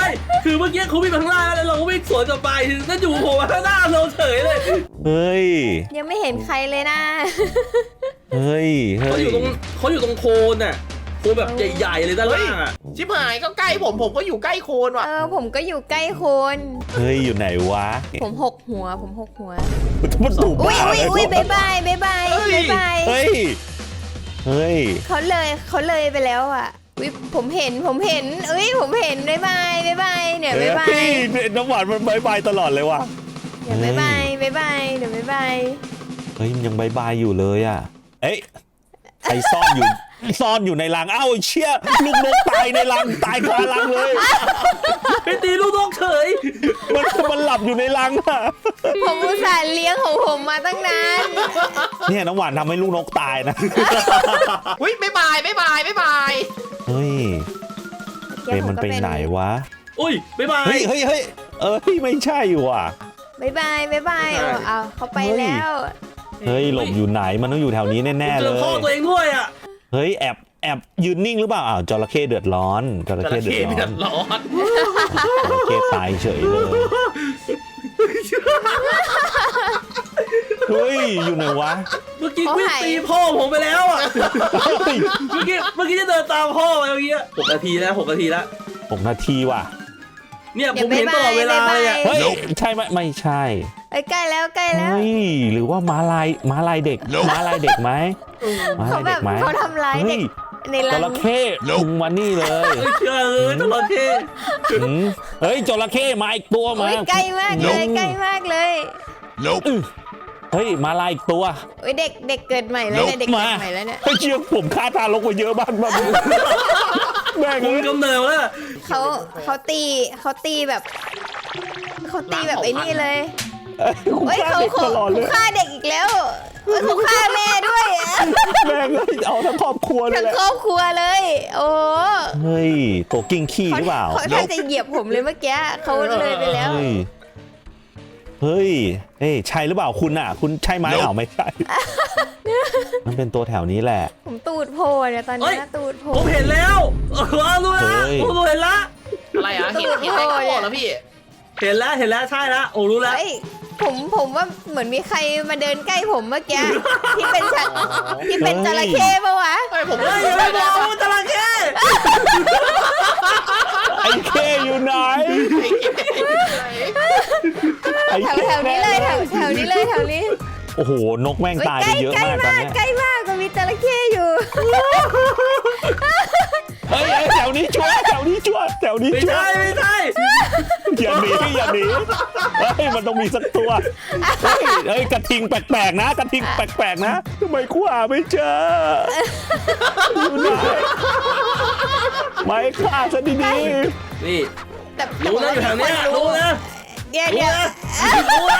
[SPEAKER 1] คือเมื่อกี้เขาวิ่งมาข้างล่างแล้วเราก็วิ่งสวนกลับไปนั่นอยู่โผล่มาข้างหน้าเราเฉยเลย
[SPEAKER 5] เฮ้ย
[SPEAKER 3] ยังไม่เห็นใครเลยนะ
[SPEAKER 5] เฮ้ยเฮ้
[SPEAKER 1] เขา
[SPEAKER 5] ย
[SPEAKER 1] อยู่ตรงเขาอยู่ตรงโคนน่ะโคนแบบใหญ่ๆเลยด้านล่างอ่ะ
[SPEAKER 2] ชิบหายก็ใกล้ผมผมก็อยู่ใกล้โคนว่ะ
[SPEAKER 3] เออผมก็อยู่ใกล้โคน
[SPEAKER 5] เฮ้ยอยู่ไหนวะ
[SPEAKER 3] ผมหกหัว ผมหกหัว
[SPEAKER 5] มันถูก
[SPEAKER 3] อุ้ย
[SPEAKER 5] บ้า
[SPEAKER 3] อุ้ย
[SPEAKER 5] เลย
[SPEAKER 3] อุ้ยบายบายบายบายบายบาย
[SPEAKER 5] เฮ้ยเฮ้ย
[SPEAKER 3] เขาเลยเขาเลยไปแล้วอ่ะอุ้ยผมเห็นผมเห็นเอ้ยผมเห็นบายบายบายบายเนี่ยบายบาย
[SPEAKER 5] เฮ้ยน้ำหวานมันบายบายตลอดเลยว่ะ
[SPEAKER 3] เดี๋ยวบายบายบายบายเดี๋ยวบายบาย
[SPEAKER 5] เฮ้ยมันยังบายบายอยู่เลยอ่ะเอ้ยใครซ่อนอยู่ซ่อนอยู่ในรังเอ้าเชี่ยลูกนกตายในรังตายคารังเลย
[SPEAKER 1] ไปตีลูกนกเฉย
[SPEAKER 5] มันมันหลับอยู่ในรังอ่ะ
[SPEAKER 3] ผมอุตส่าห์เลี้ยงของผมมาตั้งนาน
[SPEAKER 5] เนี่ยน้ำหวานทำให้ลูกนกตายนะ
[SPEAKER 2] อุ้ยบ๊ายบายบ๊ายบายบ๊ายบาย
[SPEAKER 5] เฮ้ยเอ็มมันไปไหนวะ
[SPEAKER 1] อุ้ยบ๊ายบาย
[SPEAKER 5] เฮ้ยเฮ้ยเฮ้ยเออไม่ใช่ว่ะ
[SPEAKER 3] บายบายบายบายเอาเอาเขาไปแล้ว
[SPEAKER 5] เฮ้ยหลบอยู่ไหนมันต้องอยู่แถวนี้แน่ๆ
[SPEAKER 1] เจ
[SPEAKER 5] เล
[SPEAKER 1] อย พ่อตัวเองด้วยอ่ะ
[SPEAKER 5] เฮ้ยแอบแอบยืนนิ่งหรือเปล่าอ้าวจระเข้เดือดร้อนจระ
[SPEAKER 2] จ
[SPEAKER 5] เข้
[SPEAKER 2] ระ
[SPEAKER 5] เดือ
[SPEAKER 2] เข้
[SPEAKER 5] ด
[SPEAKER 2] เดื
[SPEAKER 5] ร้
[SPEAKER 2] อ
[SPEAKER 5] อน
[SPEAKER 2] ดร้อน
[SPEAKER 5] จระเข้ตายเฉยเลยเฮ้ยอยู่ไหนวะ
[SPEAKER 1] เมื่อกี้วิ่งตีพ่อผมไปแล้วอ่ะ
[SPEAKER 5] เฮ้ย
[SPEAKER 1] เมื่อกี้เมื่อกี้จะเดินตามพ่อไปเมื่อกี้หกนาทีแล้วหกนาทีแล้ว
[SPEAKER 5] หกนาทีว่ะ
[SPEAKER 1] เนี่ยผมเห็นตลอดเวลาเลยอ่ะ
[SPEAKER 5] เฮ้ยใช่ไหมไม่ใช่
[SPEAKER 3] เอ้ยใกล้แล้วใกล้แล้ว
[SPEAKER 5] เฮ้ยหรือว่าม้าลายม้าลายเด็กม้าลายเด็กไหมม้า
[SPEAKER 3] เขา
[SPEAKER 5] ลาย
[SPEAKER 3] แบ
[SPEAKER 5] เด็
[SPEAKER 3] บ
[SPEAKER 5] กไหม
[SPEAKER 3] เขาทำร้ายเด็
[SPEAKER 5] เฮ้
[SPEAKER 3] ก
[SPEAKER 5] ย
[SPEAKER 3] ใน
[SPEAKER 5] จ
[SPEAKER 3] รัง
[SPEAKER 5] ระเข้มึงมานี่เลย
[SPEAKER 1] ไม่เชื่อเลยจระเข้
[SPEAKER 5] หืมเฮ้ยจระเข้มาอีกตัวมา
[SPEAKER 3] โอ้ยใกล้มากเลยใกล้มากเลย
[SPEAKER 5] อื้อเฮ้ยมาลายอีกตัว
[SPEAKER 3] โอ้ยเด็กเด็กเกิดใหม่แล้วเนี่ยเด็กเกิดใหม่แล้วเนี่ย
[SPEAKER 5] เฮ้ยเชี่ยผมฆ่าทารกไปเยอะมากมาดูแม่ง
[SPEAKER 1] ผม
[SPEAKER 5] เลย
[SPEAKER 1] กำเนิดแล้ว
[SPEAKER 3] เขาเขาตีเขาตีแบบเขาตีแบบไอ้นี่เลย
[SPEAKER 5] เฮ้
[SPEAKER 3] เฮ้
[SPEAKER 5] ย
[SPEAKER 3] ย
[SPEAKER 5] เขา
[SPEAKER 3] เขา
[SPEAKER 5] ฆ่า
[SPEAKER 3] เขา
[SPEAKER 5] เด็กตลอดเลย
[SPEAKER 3] เขาฆ่าเด็กอีกแล้วเฮ้ยเขาฆ่าแม่ด้วยอะ
[SPEAKER 5] แม่งเลยเอาทั้งครอบครัวเลย
[SPEAKER 3] ทั้ง
[SPEAKER 5] แหละ
[SPEAKER 3] ครอบครัวเลย โอ้
[SPEAKER 5] เฮ้ยตัวกิ้งขี้หรือเปล่า
[SPEAKER 3] เขาถ้าจะเหยียบผมเลยเมื่อกี้เขาเลยไปแล้ว
[SPEAKER 5] เฮ้ยเฮ้ยเฮ้ยใช่หรือเปล่าคุณอ่ะ คุณใช่ไหมอ้าวไม่ใช่ มันเป็นตัวแถวนี้แหละ
[SPEAKER 3] ผมตูดโผล่เนี่ยตอนนี้นะตูดโผล่
[SPEAKER 1] ผมเห็นแล้วเออรู้แล้ว
[SPEAKER 5] เฮ้ย
[SPEAKER 1] ผมเห็นละ
[SPEAKER 2] อะไรอ่ะเห็นเห็นอะไรก็บอกแล้วพี่
[SPEAKER 1] เห็นแล้วเห็นแล้วใช่แล้วโอ้รู้แล้ว
[SPEAKER 3] เฮ้ยผมผมว่าเหมือนมีใครมาเดินใกล้ผมเมื่อกี้ที่เป็นฉันที่เป็นจระเข้ปะวะ
[SPEAKER 2] เฮ้ยผม
[SPEAKER 1] เฮ้ยอย่าไปบอกว่าจระเข้
[SPEAKER 5] ไอ้เคอยู่ไหนไอ้
[SPEAKER 3] แถว
[SPEAKER 5] เค
[SPEAKER 3] แถวนี้เลยแถวแถวนี้เลยแถวนี้
[SPEAKER 5] โอ้โหนกแม่ง
[SPEAKER 3] เฮ้ย
[SPEAKER 5] ตาย
[SPEAKER 3] ใก
[SPEAKER 5] ไป
[SPEAKER 3] ล้
[SPEAKER 5] เยอะ
[SPEAKER 3] ใกล้
[SPEAKER 5] มากตอน
[SPEAKER 3] มาก
[SPEAKER 5] เนี้ย
[SPEAKER 3] ใกล้มากก็มีจระเข้อยู่
[SPEAKER 5] เฮ้ยเฮ้ยแถวนี้ชัวร์แถวนี้ชัวร์แถวนี้
[SPEAKER 1] ไม่
[SPEAKER 5] ชัว
[SPEAKER 1] ใช่
[SPEAKER 5] ร์
[SPEAKER 1] ไม่ใช่
[SPEAKER 5] อย่าหนีอย่าหนีเฮ้ยมันต้องมีสักตัวเฮ้ยเฮ้ยกระทิงแปลกๆนะกระทิงแปลกๆนะทำไมคู่หาไม่เจออยู่ไหนไม่ฆ่าซะดี
[SPEAKER 1] นี่
[SPEAKER 3] แต่
[SPEAKER 1] รู้นะอยู่แถวเนี้ยรู้นะ
[SPEAKER 3] เดี๋ยว
[SPEAKER 1] รู้
[SPEAKER 3] เดี๋ยว
[SPEAKER 1] นะรู้นะ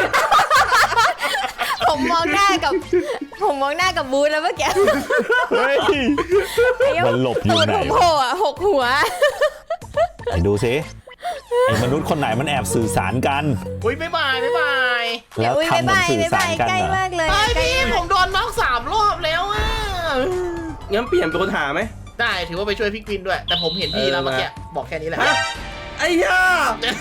[SPEAKER 3] ผมมองหน้ากับ ผมมองหน้ากับบูธแล้วเมื่อกี้
[SPEAKER 5] ๆเฮ้ย มันหลบอยู่ไหน
[SPEAKER 3] ตูดผมโผล่อะหกหัว
[SPEAKER 5] ไปดูสิไอ้มนุษย์คนไหนมันแอบสื่อสารกัน
[SPEAKER 2] อุ้ยบ๊ายบายบ๊ายบาย
[SPEAKER 5] แล้ว
[SPEAKER 3] อุ้ย
[SPEAKER 5] ทำเหมือน
[SPEAKER 3] บ๊ายบาย
[SPEAKER 5] สื่อ
[SPEAKER 3] บ๊าย
[SPEAKER 5] สา
[SPEAKER 3] บาร ย
[SPEAKER 5] กัน
[SPEAKER 3] ใกล้
[SPEAKER 5] เหรอ
[SPEAKER 3] มากเลย
[SPEAKER 2] ไอ้
[SPEAKER 3] ใกล้
[SPEAKER 2] พี่ผมโดนน็อกสามรอบแล้วอ่ะ
[SPEAKER 1] งั้นเปลี่ยนเป็นคนหาไหม
[SPEAKER 2] ได้ถือว่าไปช่วยพี่กวินด้วย แต่ผมเห็นพี่แล้วเมื่อกี้บอกแค่นี้แหละ
[SPEAKER 1] ฮะไอ้ย่า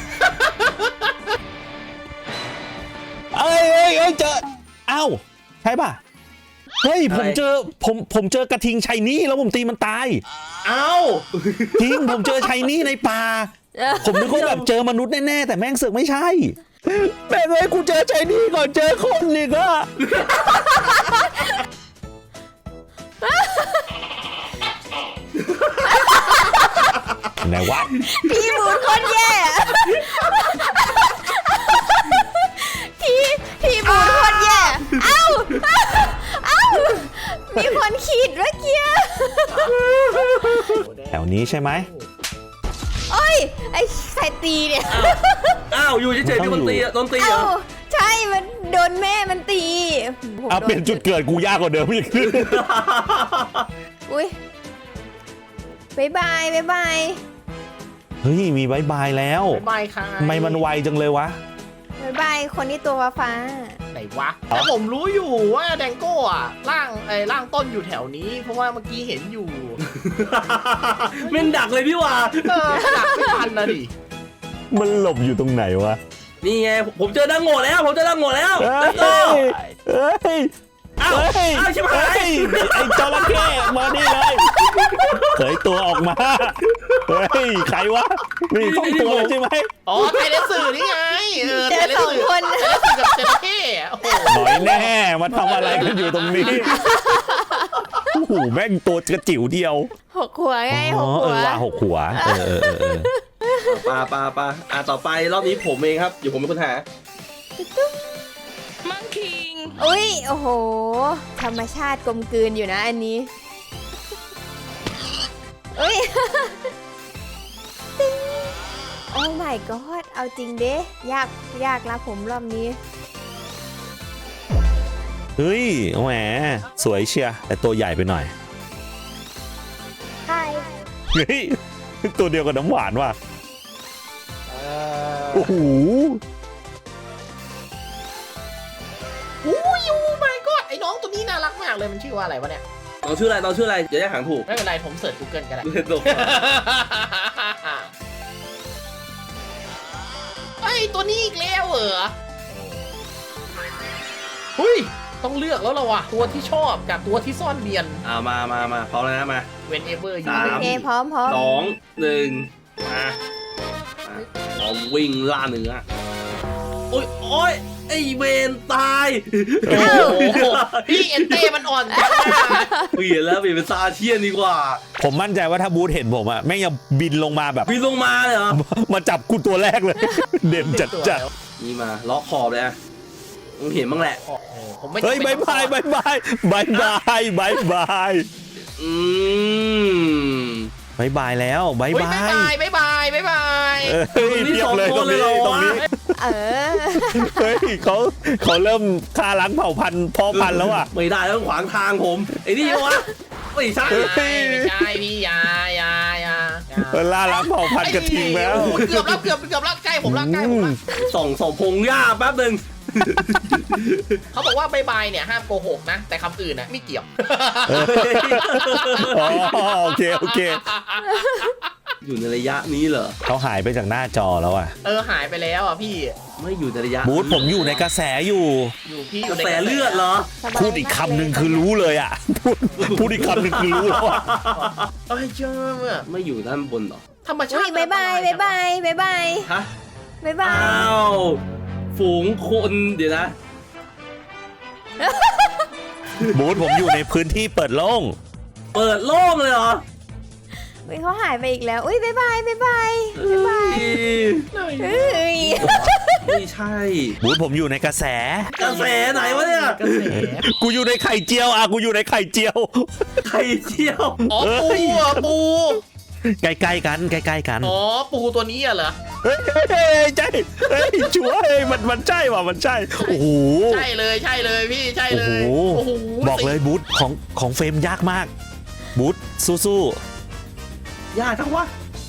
[SPEAKER 5] เอ้ยเอ้ยเอ้ยเจอเอ้าใช่ป่ะเฮ้ยผมเจอผมผมเจอกระทิงชัยนี่แล้วผมตีมันตาย
[SPEAKER 1] เอ้า
[SPEAKER 5] จริงผมเจอชัยนี่ในป่า
[SPEAKER 3] เออ
[SPEAKER 5] ผมนึกว่าแบบเจอมนุษย์แน่ๆแต่แม่งเสือกไม่ใช่แม่งเลยกูเจอชัยนี่ก่อนเจอคนอีกอะไหนวะ
[SPEAKER 3] พี่บูธคนแย่พี่พี่บูธคนแย่เอ้าเอ้ามีคนขีดเมื่อกี้
[SPEAKER 5] แถวนี้ใช่ไหม
[SPEAKER 3] โอ้ยไอ้ใครตีเนี่ย
[SPEAKER 1] อ้าวอยู่เฉยๆมีคนตีอะโดนตีเหร
[SPEAKER 3] เอ้า
[SPEAKER 1] อ
[SPEAKER 3] ใช่มันโดนแม่มันตีผม
[SPEAKER 5] เอา
[SPEAKER 3] โด
[SPEAKER 5] เปลี่ยนจุดเกิดกูยากกว่าเดิมอีก
[SPEAKER 3] อุ้ยบายบายบายบาย
[SPEAKER 5] เฮ้ยมีบายบายแล้ว
[SPEAKER 2] บ๊ายบายค่ะ
[SPEAKER 5] ทำไมมันไวจังเลยวะ
[SPEAKER 3] บายบายคนที่ตัวฟ้า
[SPEAKER 2] ไหนวะแต่ผมรู้อยู่ว่าแดงโก้อะร่างไอ้ร่างต้นอยู่แถวนี้ เพราะว่าเมื่อกี้เห็นอยู่
[SPEAKER 1] เม่นดักเลยพี่ว่า
[SPEAKER 2] เออดักไม่ทันนะดิ
[SPEAKER 5] มันหลบอยู่ตรงไหนวะ
[SPEAKER 1] นี่ไงผมเจอดังโง่แล้วผมเจอดังโง่แล้ว
[SPEAKER 5] เฮ้ย
[SPEAKER 1] โอ้
[SPEAKER 5] เฮ้ย
[SPEAKER 1] อ้าว
[SPEAKER 5] เฮ้ย
[SPEAKER 1] อ้าวชิบหาย
[SPEAKER 5] เฮ้ยไอ้จระเข้มานี่เลยเผยตัวออกมาเฮ้ยใครวะนี่ต้องตัวเลยใช่ไหม
[SPEAKER 2] อ๋อไทยเลสสื่อนี่ไงเออ
[SPEAKER 3] เจ
[SPEAKER 2] ไท
[SPEAKER 3] อย
[SPEAKER 2] เลส
[SPEAKER 3] สอง
[SPEAKER 2] สื่อ
[SPEAKER 3] คน
[SPEAKER 2] ไทยเลสสื่อกับเจระเข้โอ้โห
[SPEAKER 5] หน่อยแน่มาทำอะไรกันอยู่ตรงนี้โอ้โหแม่งตัวกระจิ๋วเดียว
[SPEAKER 3] หกหัวไงห
[SPEAKER 5] อ๋อก เอ
[SPEAKER 3] หัว
[SPEAKER 5] อว่าหกหัวเออเออเออเออ
[SPEAKER 1] ปาปาปาอ่ะต่อไปรอบนี้ผมเองครับเดี๋ยวผมเป็นคนหา
[SPEAKER 4] มังคิง
[SPEAKER 3] อุ้ยโอ้โห ธรรมชาติกลมกลืนอยู่นะอันนี้อุ้ย ติ๊งโอ้ my god เอาจริงเด้ยากยากละผมรอบนี้
[SPEAKER 5] เฮ้ยแหมสวยเชียร์แต่ตัวใหญ่ไปหน่อย
[SPEAKER 3] ใช่
[SPEAKER 5] เฮ้ยตัวเดียวกับน้ำหวานว่ะ
[SPEAKER 2] เอ
[SPEAKER 5] โอ้โห
[SPEAKER 2] ออุ้ยโอ้ my god ไอ้น้องตัวนี้น่ารักมากเลยมันชื่อว่าอะไรวะเนี่ย
[SPEAKER 1] น้องชื่ออะไรน้องชื่ออะไรเดี๋ยวจะหางถูก
[SPEAKER 2] ไม่เป็นไรผมเสิร์ช Google ก็ได้
[SPEAKER 1] ตก
[SPEAKER 2] ไอ้ตัวนี้อีกแล้วเหรอเฮ้ยต้องเลือกแล้วล่ะวะตัวที่ชอบกับตัวที่ซ่อนเนียน
[SPEAKER 1] อ่ามามามาพร้อมแล้วนะมา
[SPEAKER 2] whenever you
[SPEAKER 1] สาม
[SPEAKER 3] โอเคพร้อมพร้อม
[SPEAKER 1] สองหนึ่งมามาพร้อมวิ่งล่าเนื้อโอ้ยโอ้ยไอเวนตาย
[SPEAKER 2] โอ้โหพี่เอ็นเต้มันอ่อนจังอะ
[SPEAKER 1] เปลี่ยนแล้วเปลี่ยนเป็นซาเชียนดีกว่า
[SPEAKER 5] ผมมั่นใจว่าถ้าบูธเห็นผมอะแม่งยังบินลงมาแบบ
[SPEAKER 1] บินลงมาเลยเหรอ
[SPEAKER 5] มาจับกูตัวแรกเลย เด่นจัดจัด
[SPEAKER 1] นี่มาล็อกขอบเลยอะมึงเห็นบ้างแหละ
[SPEAKER 2] เออผมไม่
[SPEAKER 5] เฮ้ยบายบายบายบายบายบายบายบาย
[SPEAKER 1] อืม
[SPEAKER 5] บายบายแล้วบาย
[SPEAKER 2] เฮ้ย
[SPEAKER 5] บา
[SPEAKER 2] บ๊าย
[SPEAKER 5] ย
[SPEAKER 2] บายบ๊ายบายบ๊ายบาย
[SPEAKER 5] เฮ้ยเทียบเลยตรงนี้ตรงนี้
[SPEAKER 3] เออ
[SPEAKER 5] เฮ้ยเขาเขาเริ่มฆ่าล้างเผ่าพันธุ์พ่อพันธุ์แล้วอ่ะ
[SPEAKER 1] ไม่ได้แล้วขวางทางผมไอ้นี่วะไม่ใช่
[SPEAKER 5] เฮ้ย
[SPEAKER 2] ไม่ใช่พี่อยาอยาอยาอยา
[SPEAKER 5] เออล่าล้างเผ่าพันธุ์กระทิงแล้ว
[SPEAKER 2] โอ้โหเกือบแล้วเกือบเกือบแล้วใกล้ผมแล้วใกล้ผมแล้ว
[SPEAKER 1] ส่องส่องพงหญ้าแป๊บหนึ่ง
[SPEAKER 2] เขาบอกว่าบายบายเนี่ยห้ามโกหกนะ แต่คำอื่นนะไม่เกี่ยว
[SPEAKER 5] อ๋อโอเคโอเค
[SPEAKER 1] อยู่ในระยะนี้เหรอ
[SPEAKER 5] เขาหายไปจากหน้าจอแล้วอ่ะ
[SPEAKER 2] เออหายไปแล้วอ่ะพี่
[SPEAKER 1] ไม่อยู่ในระยะ
[SPEAKER 5] บูธผมอยู่ในกระแสอยู่
[SPEAKER 2] อยู่พี่อก
[SPEAKER 1] ระ
[SPEAKER 2] ยู่ใน
[SPEAKER 1] แสเลือดเหรอ
[SPEAKER 3] สบาย
[SPEAKER 5] พูดอีกคำหนึ่งคือรู้เลยอ่ะพูดพูดอีกคำหนึ่งคือรู้แล้วอ่ะ
[SPEAKER 2] เอ้ยเจ้าอะ
[SPEAKER 1] ไม่อยู่ด้านบนเหรอ
[SPEAKER 2] ธรรมชา
[SPEAKER 3] อุ้ย
[SPEAKER 2] ติ
[SPEAKER 3] บายบายบายบายบายบาย
[SPEAKER 1] ฮะ
[SPEAKER 3] บายบาย
[SPEAKER 1] อ้าวฝูงคนเดี๋ยวนะ
[SPEAKER 5] บูธผมอยู่ในพื้นที่เปิดโล่ง
[SPEAKER 1] เปิดโล่งเลยเหรอ
[SPEAKER 3] อุ้ยเขาหายไปอีกแล้วอุ้ยบายบายบายบายบายบาย
[SPEAKER 1] เอ้ย
[SPEAKER 3] เฮ้ย
[SPEAKER 1] ไม่ใช่
[SPEAKER 5] บูธผมอยู่ในกระแส
[SPEAKER 1] กระแสไหนวะเนี่ย
[SPEAKER 2] กระแส
[SPEAKER 5] กูอยู่ในไข่เจียวอ่ะกูอยู่ในไข่เจียว
[SPEAKER 1] ไข่เจียว
[SPEAKER 2] อ๋อปูอ่ะปู
[SPEAKER 5] ใกล้ๆกันใกล้ๆกัน
[SPEAKER 2] อ๋อปูตัวนี้อ่ะเหรอ
[SPEAKER 5] เฮ้ยเฮ้ยเฮ้ยใช่เฮ้ยชัวร์เฮ้ยมันมันใช่ว่ะมันใช่โอ้โห
[SPEAKER 2] ใช่เลยใช่เลยพี่ใช่
[SPEAKER 5] โอ้
[SPEAKER 2] เล
[SPEAKER 5] โห
[SPEAKER 2] ยโอ้โห
[SPEAKER 5] บอกเลยบูธของของเฟรมยากมากบูธสู้
[SPEAKER 1] ยากจังวะ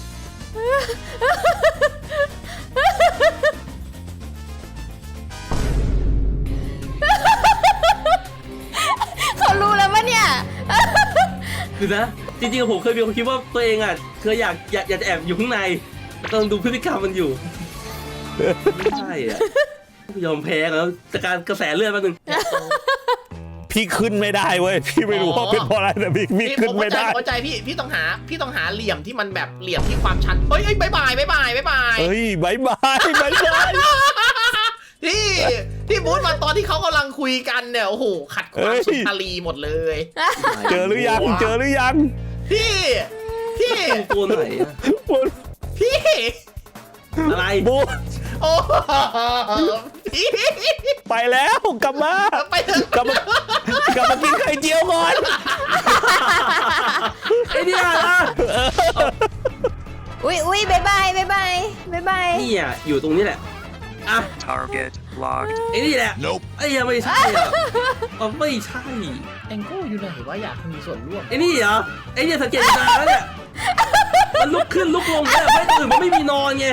[SPEAKER 3] เขารู้แล้วปะเนี่ย
[SPEAKER 1] คือนะ จริงๆผมเคยมีความคิดว่าตัวเองอ่ะเคยอยากอยากอยากจะแอบอยู่ข้างในกำลังดูพฤติกรรมมันอยู่ ไม่ใช่อ่ะยอมแพ้แล้วจากการกระแสเลือดแป๊บนึง
[SPEAKER 5] ๆพี่ขึ้นไม่ได้เว้ยพี่ไม่รู้ว่าเป็นเพราะอะไรแต่พี่พี่
[SPEAKER 2] พี่
[SPEAKER 5] ขึ้น
[SPEAKER 2] ผม
[SPEAKER 5] ไม่
[SPEAKER 2] เข้าใจ
[SPEAKER 5] ได้
[SPEAKER 2] เข้าใจพี่พี่ต้องหาพี่ต้องหาเหลี่ยมที่มันแบบเหลี่ยมที่ความชันเฮ้ยเฮ้ยบายบายบายบายบายบาย
[SPEAKER 5] เฮ้ยบายบายบายบาย
[SPEAKER 2] ที่ที่บูธมาตอนที่เขากำลังคุยกันเนี่ยโอ้โหขัดความสุนทรีหมดเลย
[SPEAKER 5] เจอหรือยังเจอหรือยัง
[SPEAKER 2] พี่พี่
[SPEAKER 1] ตัวไหนอะ
[SPEAKER 2] พี่
[SPEAKER 1] อะไร
[SPEAKER 5] บูธ
[SPEAKER 2] โอ้พี่
[SPEAKER 5] ไปแล้วกลับมา
[SPEAKER 2] ไปเถอะ
[SPEAKER 5] กลับมากลับมากินไข่เจียวก่อน
[SPEAKER 1] ไอ้เนี่ยนะ
[SPEAKER 3] อุ้ยอุ้ยบายบายบายบายบายบาย
[SPEAKER 1] นี่อ่ะอยู่ตรงนี้แหละอ่ะ
[SPEAKER 6] Target locked.
[SPEAKER 1] ไอ้นี่แหละ
[SPEAKER 6] Nope.
[SPEAKER 1] ไอ้ยังไม่ใช่อ่ะมันไม่ใช่
[SPEAKER 2] แองโก้อยู่ไหนวะอยากมีส่วนร่วม
[SPEAKER 1] ไอ้นี่เหรอไอ้เนี่ยสังเกตตาแล้วเนี่ยมันลุกขึ้นลุกลงเนี่ยไม่ตื่นมันไม่มีนอนไง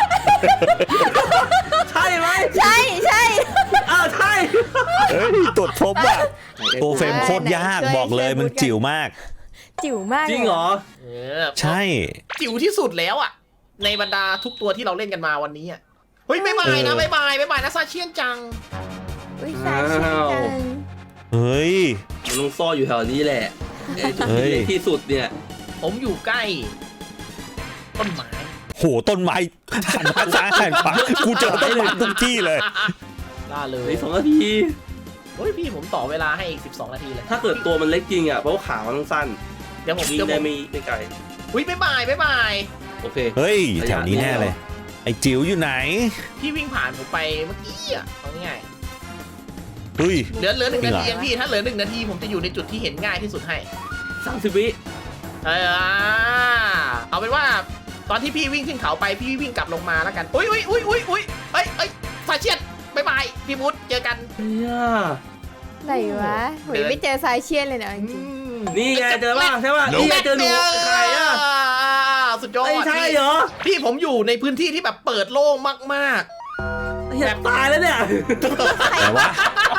[SPEAKER 1] ใช่ไหม
[SPEAKER 3] ใช่ใช่
[SPEAKER 1] อ้าวใช่
[SPEAKER 5] เฮ้ยตรวจพบว่ะตัวเฟรมโคตรยากบอกเลยมันจิ๋วมาก
[SPEAKER 3] จิ๋วมาก
[SPEAKER 1] จริงเหรอ
[SPEAKER 2] เออ
[SPEAKER 5] ใช่
[SPEAKER 2] จิ๋วที่สุดแล้วอ่ะในบรรดาทุกตัวที่เราเล่นกันมาวันนี้อ่ะเฮ้ยบ๊ายบายนะบ๊ายบายบ๊ายบายนะซาเชียนจัง
[SPEAKER 3] อุ้ยสายชินจัง
[SPEAKER 5] เฮ้ย
[SPEAKER 1] มันต้องซ่อนอยู่แถวนี้แหละไอ้จุด
[SPEAKER 5] เฮ้
[SPEAKER 1] ที่
[SPEAKER 5] ย
[SPEAKER 1] เล็กที่สุดเนี่ย
[SPEAKER 2] ผมอยู่ใกล้ต้นไม้
[SPEAKER 5] โหต้นไม้หันมาซ้ายหันขวากูเจอต้นไม้ทุกที่เลย
[SPEAKER 2] ล่าเลย
[SPEAKER 1] ในสองนาที
[SPEAKER 2] เฮ้ยพี่ผมต่อเวลาให้อีกสิบสองนาทีเลย
[SPEAKER 1] ถ้าเกิดตัวมันเล็กจริงอ่ะเพราะว่าขามันต้องสั้น
[SPEAKER 2] เดี๋ยวผม
[SPEAKER 1] วิ่ง
[SPEAKER 2] เดี๋ยวผ
[SPEAKER 1] ได้
[SPEAKER 2] ม
[SPEAKER 1] ไม่ไม่ไกล
[SPEAKER 2] อุ้ยบ๊ายบายบ๊ายบาย
[SPEAKER 1] โอเค
[SPEAKER 5] เฮ้ยแถวนี้แน่เลย ไอ้จิ๋วอยู่ไหน
[SPEAKER 2] พี่วิ่งผ่านผมไปเมื่อกี้อ่ะเอาง่าย
[SPEAKER 5] เฮ้ย
[SPEAKER 2] ๆเหลือเหลือหนึ่ง
[SPEAKER 5] จริ
[SPEAKER 2] นาง
[SPEAKER 5] เหรอ
[SPEAKER 2] ทีเองพี่ถ้าเหลือหนึ่งนาทีผมจะอยู่ในจุดที่เห็นง่ายที่สุดให้
[SPEAKER 1] สามสิบวิ
[SPEAKER 2] เออเอาเป็นว่าตอนที่พี่วิ่งขึ้นเขาไปพี่วิ่งกลับลงมาแล้วกันอุ้ยอุ้ยอุ้ยอุ้ยอุ้ยเอ้ยเอ้ยสายเชียดบ๊ายบายพี่มุดเจอกัน
[SPEAKER 1] เนี่ย
[SPEAKER 3] ไหนวะโหยไม่เจอสายเชียนเลยนะจริง
[SPEAKER 1] นี่ไงเจอป่ะใช่ป่ะนี่ไงเจอหนูใครอ่ะ
[SPEAKER 2] สุดยอด
[SPEAKER 1] ไม่ใช่เหรอ
[SPEAKER 2] พี่ผมอยู่ในพื้นที่ที่แบบเปิดโล่งมาก
[SPEAKER 1] เฮียตายแล้วเนี่ย
[SPEAKER 5] แต่ว่า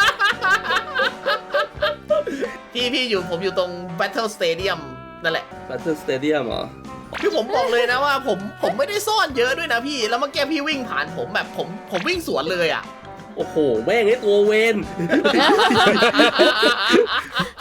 [SPEAKER 2] ๆพี่พี่อยู่ผมอยู่ตรง Battle Stadium นั่นแหละ
[SPEAKER 1] บัตเตอร์สเตเดียมเหรอ
[SPEAKER 2] คือผมบอกเลยนะว่าผมผมไม่ได้ซ่อนเยอะด้วยนะพี่แล้วเมื่อกี้พี่วิ่งผ่านผมแบบผมผมวิ่งสวนเลยอ่ะ
[SPEAKER 1] โอ้โหแม่งไอ้ตัวเวน